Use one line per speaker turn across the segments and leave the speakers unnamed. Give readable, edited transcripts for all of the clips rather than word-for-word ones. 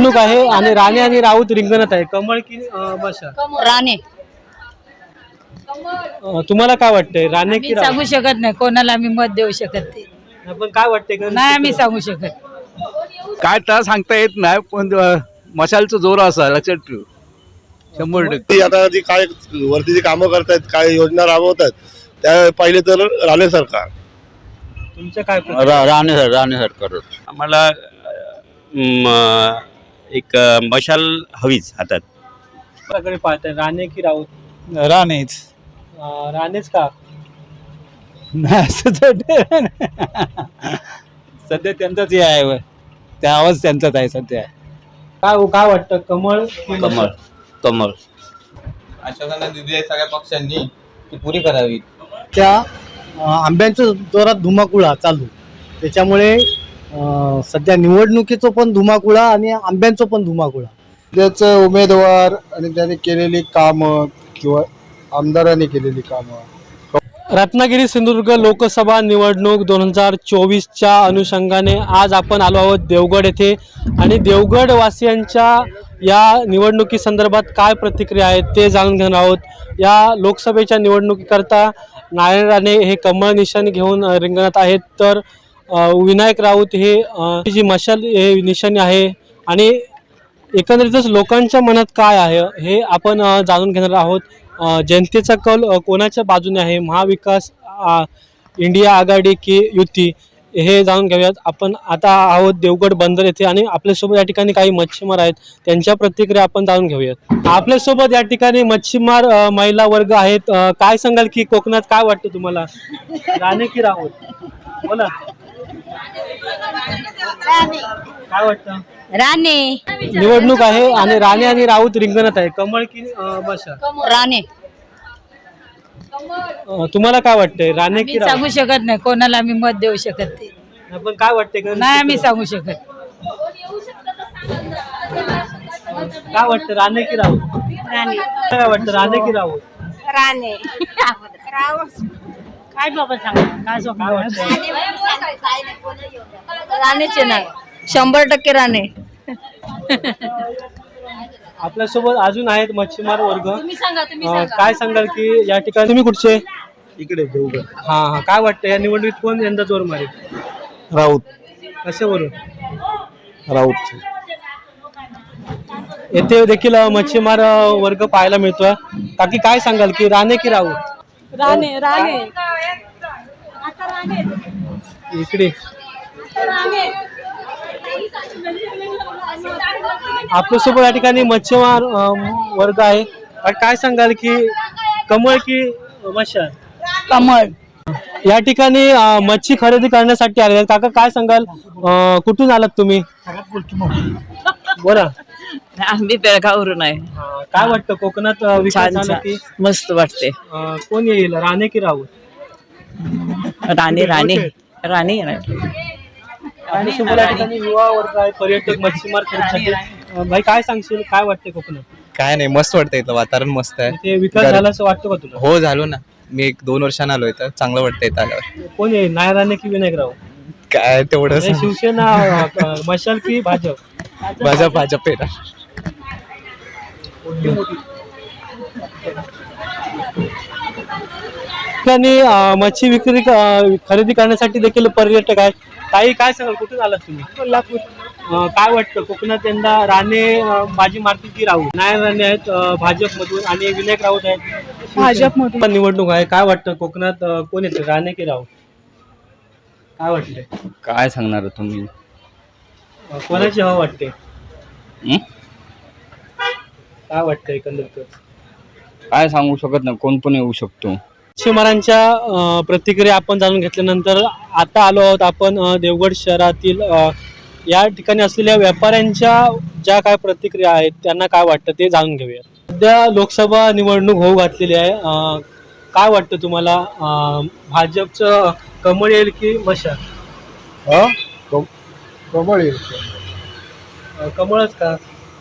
निवडणूक आहे आणि राणे आणि राऊत रिंगणात आहे. कमळ की मशाल?
राणे.
तुम्हाला काय वाटतंय, राणे की राऊत?
सांगू शकत नाही कोणाला आम्ही मत देऊ शकत नाही.
पण काय वाटतंय
नाही आम्ही सांगू शकत.
काय तर सांगता येत नाही, पण मशालचं जोर असा लक्षात ठेव 100%.
आता जी काय वरती जी कामं करतायत, काय योजना राबवतात, त्या पहिले तर राणे सरकार.
तुमचं काय
राणे सरकार
आम्हाला एक मशाल हवीच हातात.
प्रकारे पाहताय, राणे की राऊत?
राणेच.
राणेच का?
सध्या त्यांचाच हे आहे, त्या आवाज त्यांचाच आहे सध्या.
काय वाटतं, कमळ की मशाल?
कमळ. कमळ.
आश्वासनं दिली आहे सगळ्या पक्षांनी, ती पुरी करावी.
त्या आंब्यांचं जोरात धुमाकुळा चालू, त्याच्यामुळे सध्या निवडणुकीचं पण धुमाकुळा आणि आंब्यांचं पण धुमाकुळा.
त्याचं उमेदवार आणि त्याने केलेली कामं किंवा आमदारांनी केलेली कामं.
रत्नागिरी सिंधुदुर्ग लोकसभा निवडणूक 2024च्या अनुषंगाने आज आपण आलो आहोत देवगड येथे आणि देवगड वासियांच्या या निवडणुकीसंदर्भात काय प्रतिक्रिया आहेत ते जाणून घेणार आहोत. या लोकसभेच्या निवडणुकीकरता नारायण राणे हे कमळ निशाणी घेऊन रिंगणात आहेत, तर विनायक राऊत हे जी मशाल हे निशाणी आहे आणि एकंदरीतच लोकांच्या मनात काय आहे हे आपण जाणून घेणार आहोत. जनतेचा कल कोणाच्या बाजूने आहे, महाविकास इंडिया आघाडी की युती, हे जाणून घेऊयात. आपण आता आहोत देवगड बंदर येथे आणि आपल्यासोबत या ठिकाणी काही मच्छीमार आहेत, त्यांच्या प्रतिक्रिया आपण जाणून घेऊयात. आपल्यासोबत या ठिकाणी मच्छीमार महिला वर्ग आहेत. काय सांगाल की कोकणात काय वाटतं तुम्हाला, राणे की राऊत? बोला, काय वाटतं?
राणे.
निवडणूक आहे आणि राणे आणि राऊत रिंगणात आहे. कमळ की मशाल?
राणे.
तुम्हाला काय वाटतंय, राणे की राऊत?
सांगू शकत नाही कोणाला आम्ही मत देऊ शकत नाही.
पण काय वाटतंय,
नाही आम्ही सांगू शकत.
काय वाटतं, राणे की राऊत?
राणे.
काय वाटतं, राणे की राऊत?
राणे. काय बाबा सांगा
काय वाटतं?
राणेचे नाही, 100% राणे.
आपल्यासोबत अजून आहेत मच्छीमार वर्ग.
तुम्ही सांगा.
काय सांगाल की या ठिकाणी तुम्ही कुठचे?
इकडे देवगड.
हा, काय वाटतं या निवडणुकीत कोण यंदा जोर मारेल?
राऊत.
कशावरून?
राऊत.
येथे देखील मच्छीमार वर्ग पाहायला मिळतोय. काकी काय सांगाल की राणे की राऊत?
राणे. राणे.
इकडे आपल्यासोबत या ठिकाणी मच्छीमार वर्ग आहे. काय सांगाल की कमळ की मशाल?
कमळ.
या ठिकाणी मच्छी खरेदी करण्यासाठी आले. काका काय सांगाल, कुठून आलात तुम्ही? बोला.
आम्ही बेळगाववरून आहे.
काय वाटतं कोकणात विकास झाला की?
मस्त वाटते.
कोण येईल, राणे की राऊत?
राणे. राणे.
आपल्यासोबत या ठिकाणी युवा वर्ग आहे, पर्यटक, मच्छीमार खरेदीसाठी. भाई काय सांगशील, काय वाटते कोकणात?
काय नाही, मस्त वाटतं, इथलं वातावरण मस्त आहे.
ते विकास झाला असं वाटतं का तुला?
हो, झालो ना, मी 1-2 वर्षांना आलो इथं, चांगलं वाटतं इथं आल्यावर.
कोण येईल, नारायण राणे की विनायक राऊत?
काय तेवढं
शिवसेना मशाल की भाजप?
भाजप आहे ना.
मच्छी विक्री खरेदी करण्यासाठी देखील पर्यटक आहेत. काही काय सांगाल, कुठून आलात तुम्ही?
कोल्हापूर.
काय वाटतं कोकणात यंदा राणे बाजी मारतील की राऊत? नारायण राणे आहेत भाजपमधून आणि विनायक राऊत आहेत
भाजपमधून.
निवडणूक आहे. काय वाटतं कोकणात कोण येतं, राणे की राऊत? काय वाटतंय,
काय सांगणार तुम्ही?
कोणाची हवा वाटते? काय वाटतं एकंदरीत?
काय सांगू शकत नाही, कोण पण येऊ शकतो.
मच्छीमारांच्या प्रतिक्रिया आपण जाणून घेतल्यानंतर आता आलो आहोत आपण देवगड शहरातील या ठिकाणी असलेल्या व्यापाऱ्यांच्या ज्या काय प्रतिक्रिया आहेत त्यांना काय वाटतं ते जाणून घेऊया. सध्या लोकसभा निवडणूक होऊ घातलेली आहे. काय वाटतं तुम्हाला, भाजपचं कमळ येईल की मशाल?
कमळ येईल.
कमळच का?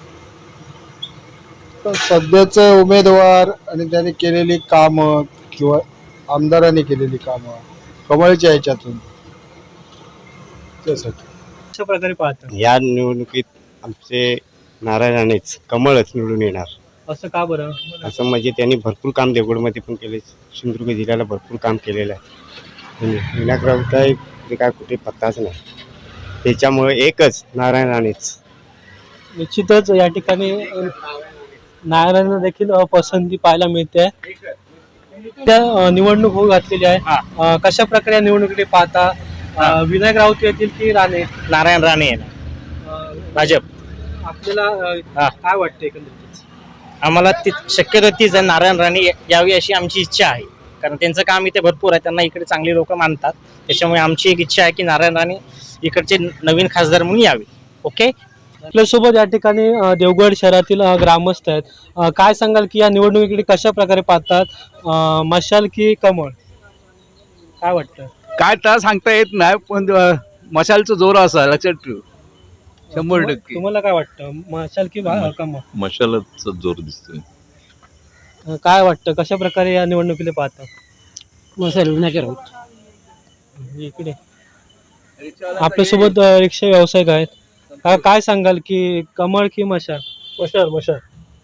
सध्याचे उमेदवार आणि त्याने केलेली कामं किंवा आमदारांनी केलेली कामं कमळच्या ह्याच्यातून, त्यासाठी
अशा प्रकारे पाहतात.
या निवडणुकीत आमचे नारायण राणेच कमळच निवडून येणार.
असं का बरं?
असं म्हणजे त्यांनी भरपूर काम देवगडमध्ये पण केले, सिंधुदुर्ग जिल्ह्याला भरपूर काम केलेलं आहे. आणि विनायक राऊत ते काय कुठे पत्ताच नाही, त्याच्यामुळे एकच नारायण राणेच.
निश्चितच या ठिकाणी नारायणांना देखील पसंती पाहायला मिळते. त्या निवडणूक होऊ घातलेली आहे. कशा प्रकारे या निवडणुकीकडे पाहता? विनायक राऊत येतील की राणे?
नारायण राणे भाजप.
आपल्याला काय वाटतं एकंदरीत?
आम्हाला ती शक्यतो तीच आहे, नारायण राणे यावी अशी आमची इच्छा आहे. कारण त्यांचं काम इथे भरपूर आहे, त्यांना इकडे चांगली लोक मानतात. त्याच्यामुळे आमची एक इच्छा आहे की नारायण राणे इकडचे नवीन खासदार म्हणून यावे. ओके.
आपल्यासोबत या ठिकाणी देवगड शहरातील ग्रामस्थ आहेत. काय सांगाल की या निवडणुकीकडे कशा प्रकारे पाहतात? मशाल की कमळ? काय वाटतं?
काय तर सांगता येत नाही, पण मशालचं जोर असा लक्षात ठेव. 100%.
तुम्हाला काय वाटतं? मशाल की कमळ?
मशालच जोर दिसतोय.
काय वाटतं कशा प्रकारे या निवडणुकीला पाहता?
मसाल विनायक राऊत.
इकडे आपल्यासोबत रिक्षा व्यावसायिक आहेत. काय सांगाल की कमळ की मशाल? मशाल.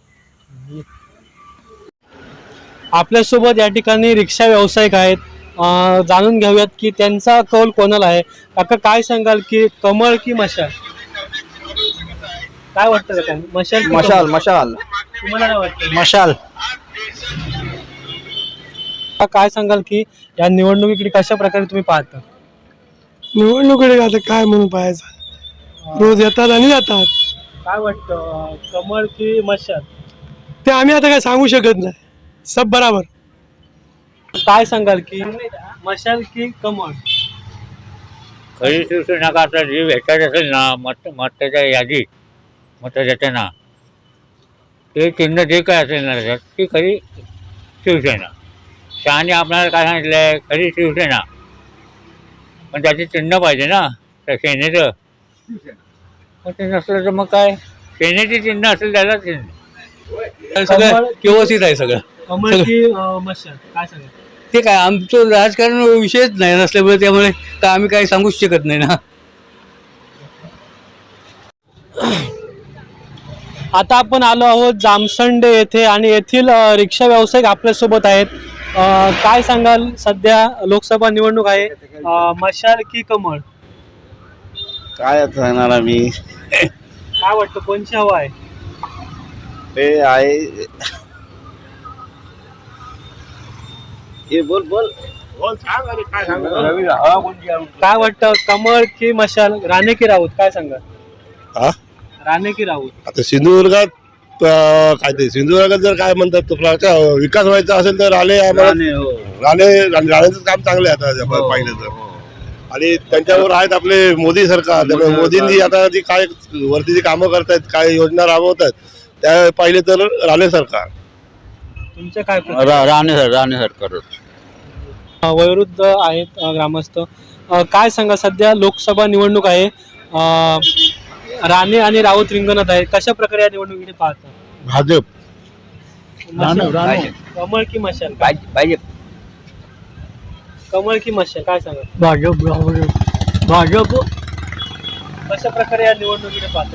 आपल्यासोबत या ठिकाणी रिक्षा व्यावसायिक आहेत. जाणून घेऊयात की त्यांचा कौल कोणाला आहे. काका काय सांगाल की कमळ की मशाल? काय वाटतं काका? मशाल की कमळ?
मशाल.
तुम्हाला काय वाटतं?
मशाल.
काय सांगाल की या निवडणुकीकडे कशा प्रकारे तुम्ही पाहता?
निवडणुकीकडे आता काय म्हणून पाहायचं, रोज येतात आणि जातात.
काय वाटतं कमळ की मशाल?
ते आम्ही आता काय सांगू शकत नाही, सब बराबर.
काय सांगाल की मशाल की कमळ?
खरी शिवसेना का आता जी भेटत असेल ना मताच्या यादीत मत देताना ते चिन्ह जे काय असेल ना त्याच्यात ती खरी शिवसेना. शहाने आपल्याला काय सांगितलंय? खरी शिवसेना, पण त्याचे चिन्ह पाहिजे ना त्या सेनेचं. मग ते नसलं तर मग काय, सेनेचे चिन्ह असेल त्याला चिन्ह.
सगळं
व्यवस्थित आहे सगळं.
कमळ की मशाल? काय सांगाल?
ते काय आमचं राजकारण विषयच नाही नसल्यामुळे त्यामुळे तर आम्ही काही सांगूच शकत नाही ना.
आता आपण आलो आहोत जामसंडे येथे आणि येथील रिक्षा व्यावसायिक आपल्यासोबत आहेत. काय सांगाल? सध्या लोकसभा निवडणूक आहे. मशाल की कमळ?
काय सांगणार आम्ही,
काय वाटतं कोणची हवा आहे?
ते आहे
काय वाटतं कमळ की मशाल? राणे की राऊत? काय सांगा?
हा?
राणे की राऊत?
आता सिंधुदुर्गात काय ते सिंधुदुर्गात जर काय म्हणतात तुला विकास व्हायचा असेल तर राणेचं काम चांगलं आहे आता पाहिलं तर. आणि त्यांच्यावर आहेत आपले मोदी सरकार. त्यामुळे मोदींनी आता जी काय वरती जी कामं करतायत, काय योजना राबवतात त्या पाहिले तर राणे सरकार.
तुमच्या काय प्रतिक्रिया?
राणे सरकार.
वयोवृद्ध आहेत ग्रामस्थ. काय सांगा सध्या लोकसभा निवडणूक आहे. राणे आणि राऊत रिंगणात आहे. कशा प्रकारे या निवडणुकीकडे पाहता?
भाजप.
कमळ की मशाल?
पाहिजे.
कमळ की मशाल? काय सांगा?
भाजप.
कशा प्रकारे या निवडणुकीकडे पाहता?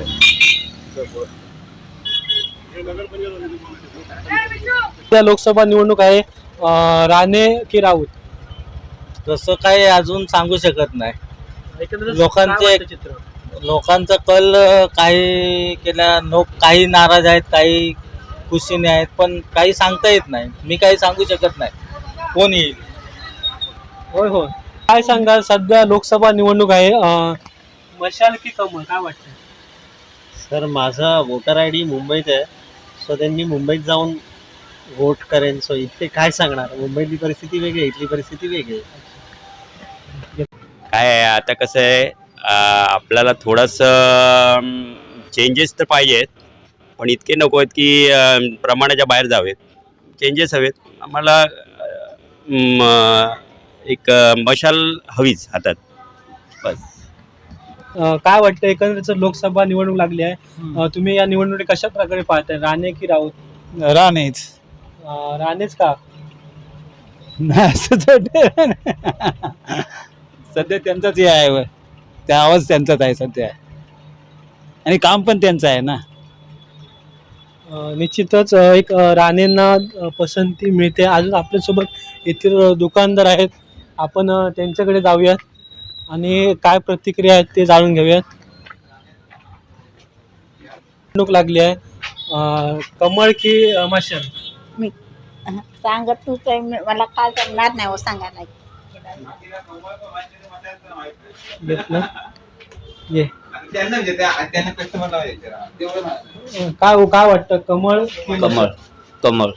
त्या लोकसभा निवडणूक आहे. राणे की राऊत?
तसं काही अजून सांगू शकत नाही.
एकंदरीत
लोकांचे-
काय वाटतं चित्र?
लोकांचा कल काही काही नाराज आहेत, काही खुशीने आहेत, पण काही सांगता येत नाही. मी काही सांगू शकत नाही कोण येईल.
होय. काय सांगाल सध्या लोकसभा निवडणूक आहे. मशाल की कमळ? काय वाटतं?
सर माझा वोटर आय डी मुंबईत आहे, सो त्यांनी मुंबईत जाऊन वोट करेन. सो इथे काय सांगणार, मुंबईतली परिस्थिती वेगळी आहे, इथली परिस्थिती वेगळी आहे.
काय आहे आता कसं आहे, आपल्याला थोडंसं चेंजेस तर पाहिजेत, पण इतके नको आहेत की प्रमाणाच्या बाहेर जावेत. चेंजेस हवेत आम्हाला. एक मशाल हवीच हातात बस.
काय वाटतं एकंदरीत लोकसभा निवडणूक लागली आहे. तुम्ही या निवडणुकीत कशा प्रकारे पाहताय? राणे की राऊत?
राणेच.
राणेच का?
सध्या त्यांचाच आहे, त्या आवाज त्यांचाच आहे सध्या, आणि काम पण त्यांचं आहे ना.
निश्चितच एक राणेंना पसंती मिळते. अजून आपल्यासोबत येथील दुकानदार आहेत, आपण त्यांच्याकडे जाऊयात आणि काय प्रतिक्रिया आहेत ते जाणून घेऊयात. निवडणूक लागली आहे, कमळ की मशाल?
मी सांगत तू काही मला काय करणार नाही हो सांगायला.
घेतलं ये
त्यांना त्यांना कस्टमरला
काय वाटतं, कमळ की मशाल?
कमळ.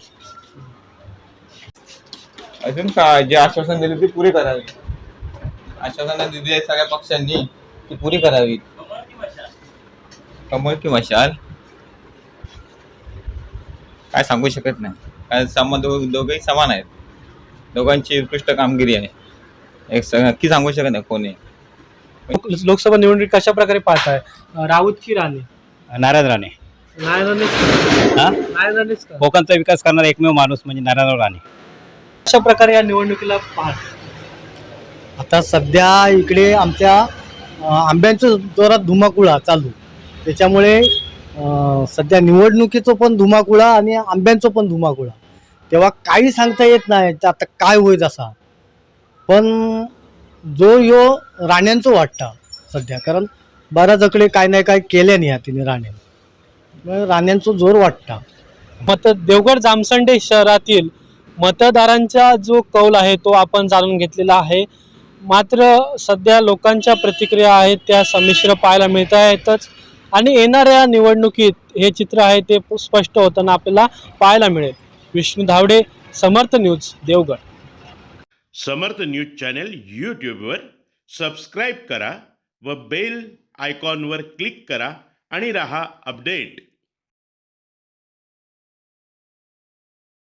अजून काय जे आश्वासन दिले ते पुरे करावे. आश्वासन दिली आहेत सगळ्या पक्षांनी ती पुरी करावी. कमळ की मशाल काय सांगू शकत नाही. काय दोघेही समान आहेत. दोघांची उत्कृष्ट कामगिरी आहे. नक्की सांगू शकत नाही कोणी.
लोकसभा निवडणूक कशा प्रकारे पाहताय, राऊत की राणे?
नारायण राणे.
नारायण राणेच का?
कोकणचा विकास करणारा एकमेव माणूस म्हणजे नारायण राणे.
कशा प्रकारे या निवडणुकीला पाहताय?
आता सध्या इकडे आमच्या आंब्यांचं जोरात धुमाकुळा चालू, त्याच्यामुळे सध्या निवडणुकीचं पण धुमाकुळा आणि आंब्यांचं पण धुमाकुळा, तेव्हा काही सांगता येत नाही आता काय होईल असा. पण जो यो राण्यांचं वाटतं सध्या, कारण बऱ्याचकडे काय नाही काय केल्या नाही तिने राण्या, राण्यांचं जोर वाटतं.
देवगड जामसंडे शहरातील मतदारांचा जो कौल आहे तो आपण जाणून घेतलेला आहे. मात्र सध्या लोकांच्या प्रतिक्रिया आहेत त्या संमिश्र पाहायला मिळत आहेतच आणि येणाऱ्या निवडणुकीत हे चित्र आहे ते स्पष्ट होताना आपल्याला पाहायला मिळेल. Vishnu Dhavde, Samarth news, Devgad.
Samarth news channel यूट्यूबवर सबस्क्राईब करा व बेल आयकॉनवर क्लिक करा आणि रहा अपडेट.